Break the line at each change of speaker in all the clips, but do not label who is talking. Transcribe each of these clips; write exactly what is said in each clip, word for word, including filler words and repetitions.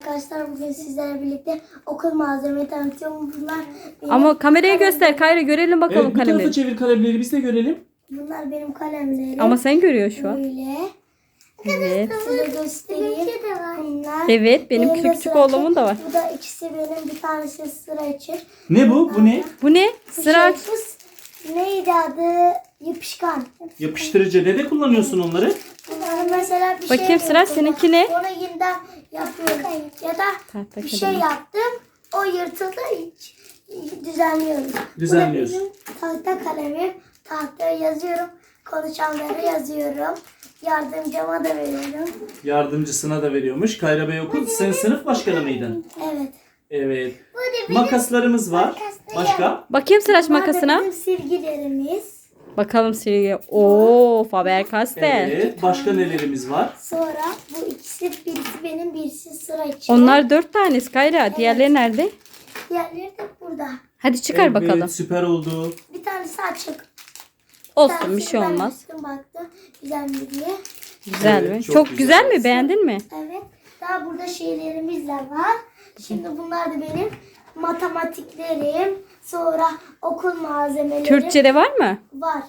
arkadaşlar, bugün sizlerle birlikte okul malzemeleri tanıtıyorum. Bunlar benim
Ama kameraya
kalemlerim.
göster Kayra, görelim bakalım
Evet, bu tarafa
kalemleri.
çevir kalemleri, biz de görelim.
Bunlar benim kalemlerim.
Ama sen görüyorsun şu an.
Böyle.
Evet.
Size göstereyim. Bunlar.
Evet, benim
Benim de
küçük
sıra
oğlumun da var.
Bu da ikisi benim, bir tanesi sıra için.
Ne bu? Bu ne?
Bu ne?
Bu
Sıra.
şey, bu neydi adı? Yapışkan.
Yapıştırıcı. Nerede kullanıyorsun onları?
Bunları mesela bir
Bakayım
şey
Sıra,
yapıyorum.
seninki ne?
Onu yeniden yapıyorum. Ya da
Tahta
bir şey
kalemi.
yaptım. O yırtıldı. Hiç, düzenliyoruz.
Düzenliyoruz.
Bu da benim tahta kalemim. Tahtaya yazıyorum. Konuşanlara yazıyorum. Yardımcıma da veriyorum.
Yardımcısına da veriyormuş. Kayra Bey okul. Sen sınıf başkanı mıydın?
Evet.
Evet. Makaslarımız var. Başka?
Bakayım Sıraç
Bunlar da
makasına.
bizim silgilerimiz.
Bakalım silgi. Oo, Faber-Castell.
Evet. Başka nelerimiz var?
Sonra bu ikisi, birisi benim, birisi sıra için.
Onlar dört tanesi Kayra. Diğerleri nerede?
Diğerleri de burada.
Hadi çıkar
Evet,
bakalım.
süper oldu.
Bir tanesi açık.
Olsun, bir şey
Ben
olmaz.
açtım, baktım güzel mi diye.
Güzel
Evet,
mi?
çok
Çok,
güzel.
güzel mi? Beğendin mi?
Evet. Daha burada şeylerimiz de var. Şimdi bunlar da benim matematiklerim. Sonra okul malzemelerim
Türkçe'de var mı?
var.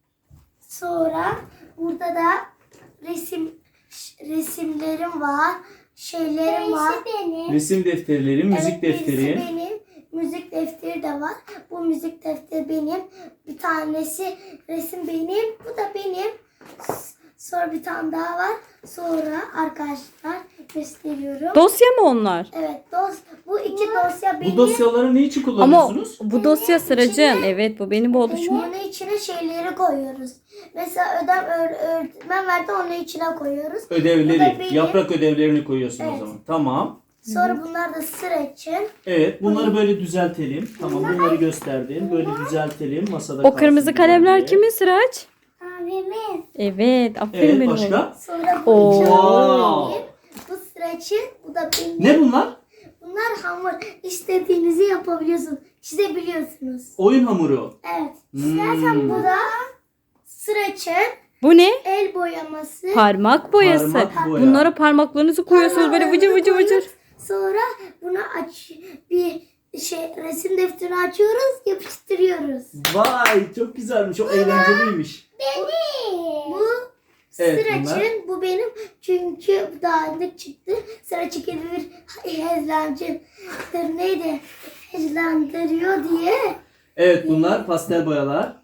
Sonra burada da resim resimlerim var. Şeylerim var. Benim.
Resim defterleri, müzik
Evet, birisi
defteri.
benim. Müzik defteri de var. Bu müzik defteri benim. Bir tanesi resim benim. Bu da benim. S- Sonra bir tane daha var. Sonra arkadaşlar gösteriyorum.
Dosya mı onlar?
Evet, dos bu iki dosya benim.
Bu dosyaları ne için
Ama
kullanıyorsunuz?
bu dosya Sıracığın. Evet, bu benim oluşum.
Onun içine şeyleri koyuyoruz. Mesela ödev öğ- öğretmen verdi, onun içine koyuyoruz. Bu da
Ödevleri,
benim.
yaprak ödevlerini koyuyorsun o
Evet.
zaman. Tamam.
Sonra bunlar da sıra için.
Evet, bunları böyle düzeltelim. Tamam, bunları gösterdim. Böyle düzeltelim. Masada
O
kalsın
kırmızı kalemler
güzelce.
kimin Sıraç?
Abimin.
Evet, aferin
Evet,
benim oğlum.
başka?
Sonra bu
Oo.
iki
Wow.
benim. Bu sıra için. Bu da benim.
Ne bunlar?
Bunlar hamur. İstediğinizi yapabiliyorsunuz. Çizebiliyorsunuz.
Oyun hamuru.
Evet.
Hmm.
Bu da sıra için.
Bu ne?
El boyaması.
Parmak boyası.
Parmak boya.
Bunlara parmaklarınızı koyuyorsunuz böyle vıcır vıcır vıcır.
Sonra bunu aç bir şey resim defterini açıyoruz, yapıştırıyoruz.
Vay, çok güzelmiş. Çok eğlenceliymiş.
Benim. Bu
Evet,
sıra
bunlar.
için, bu benim çünkü dağınık çıktı. Sıra çekili bir hezlancıdır neydi? Hezlandırıyor diye.
Evet, bunlar pastel boyalar.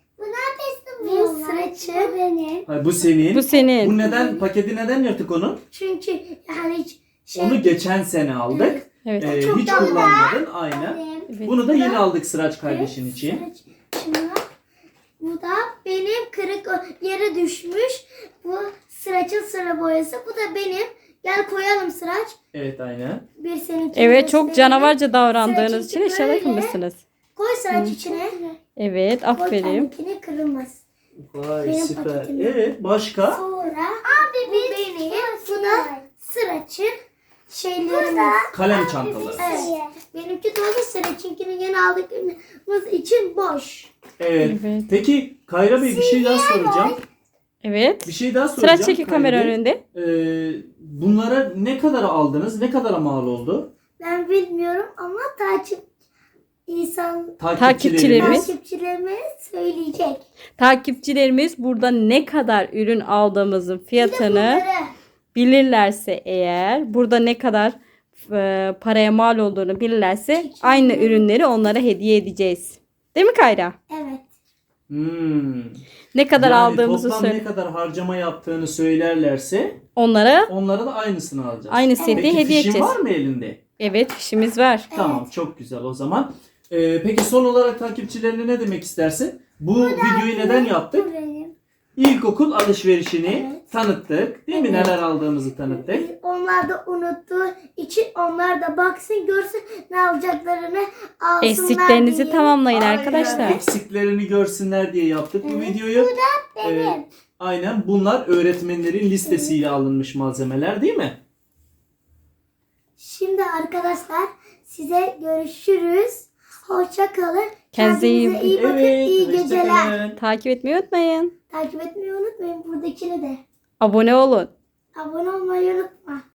Bu sıra için benim.
Hayır, bu senin.
Bu senin.
Bu neden, paketi neden yırtık onun?
Çünkü yani hiç şey
Onu geçen sene aldık.
Evet.
Ee,
Çok
hiç
da-
kullanmadın. Aynen.
benim.
Evet.
Bunu da yeni aldık Sıraç kardeşin
Evet,
için.
sıra için. Bu da benim kırık o- yere düşmüş. Bu Sıraç'ın sıra boyası. Bu da benim. Gel koyalım Sıraç.
Evet, aynen.
Bir seninki.
Evet, çok canavarca davrandığınız
Sıraç
için
için
eşyalar
böyle.
kırmışsınız.
Koy Sıraç içine.
Evet,
Koy
aferin.
kendikini, kırılmaz.
Vay,
Benim
süper.
paketim.
Evet, başka?
Sonra bu benim. Bu da Sıraç'ın şeylerimiz.
Kalem çantaları.
Evet. Benimki dolu, Sıraç'ınkini yeni aldıklarımız için boş.
Evet.
Evet.
Peki Kayra Bey, bir şey daha soracağım.
Evet.
Bir şey daha soracağım.
Sıraç çeki
Kayra
kamera
Bey.
önünde.
Ee, bunlara ne kadar aldınız? Ne kadara mal oldu?
Ben bilmiyorum ama takip insan
Takipçilerimiz.
takipçilerime söyleyecek.
Takipçilerimiz burada ne kadar ürün aldığımızın fiyatını
Bunları
bilirlerse eğer, burada ne kadar e, paraya mal olduğunu bilirlerse aynı ürünleri onlara hediye edeceğiz. Değil mi Kayra?
evet.
Hmm.
Ne kadar
Yani
aldığımızı
toplam
söyle.
ne kadar harcama yaptığını söylerlerse
Onlara
onlara da aynısını alacağız.
aynı seti
Peki
hediye
fişin
edeceğiz.
var mı elinde?
Evet, fişimiz var.
Tamam, çok güzel o zaman. Ee, peki son olarak takipçilerine ne demek istersin? Bu videoyu neden yaptık?
Bu benim.
İlkokul alışverişini
Evet.
tanıttık. Değil mi?
Evet.
Neler aldığımızı tanıttık.
Onlar da unuttuğu için onlar da baksın, görsün ne alacaklarını, alsınlar
Eksiklerinizi
diye.
tamamlayın
Aynen,
arkadaşlar.
eksiklerini görsünler diye yaptık bu videoyu.
Benim.
Ee, aynen, bunlar öğretmenlerin listesiyle alınmış malzemeler değil mi?
Şimdi arkadaşlar size görüşürüz. Hoşça kalın.
Kendinize iyi
Kendinize iyi bakın.
Evet,
iyi
hoşça
geceler.
kalın.
Takip etmeyi unutmayın.
Takip etmeyi unutmayın, buradakini de.
Abone olun.
Abone olmayı unutma.